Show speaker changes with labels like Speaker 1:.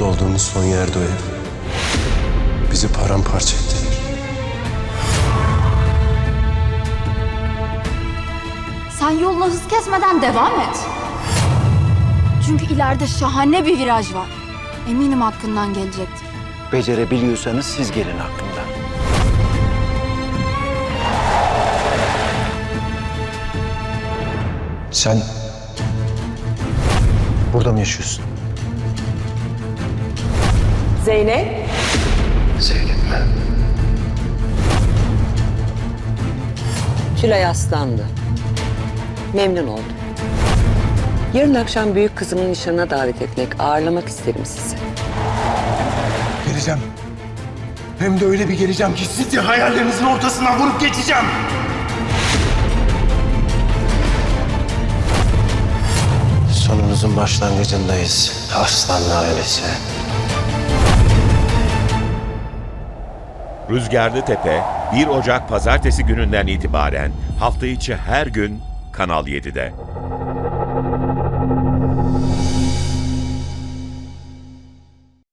Speaker 1: mutlu olduğumuz son yerde o ev. Bizi paramparça ettiler.
Speaker 2: Sen yoluna hız kesmeden devam et. Çünkü ileride şahane bir viraj var. Eminim hakkından gelecektir.
Speaker 3: Becerebiliyorsanız siz gelin hakkında. Sen burada mı yaşıyorsun?
Speaker 4: Zeynep,
Speaker 3: Zeynep mi?
Speaker 4: Tülay Aslanlı. Memnun oldum. Yarın akşam büyük kızımın nişanına davet etmek, ağırlamak isterim sizi.
Speaker 5: Geleceğim. Hem de öyle bir geleceğim ki sizi hayallerinizin ortasından vurup geçeceğim.
Speaker 1: Sonumuzun başlangıcındayız. Aslanlı ailesi.
Speaker 6: Rüzgarlı Tepe 1 Ocak Pazartesi gününden itibaren hafta içi her gün Kanal 7'de.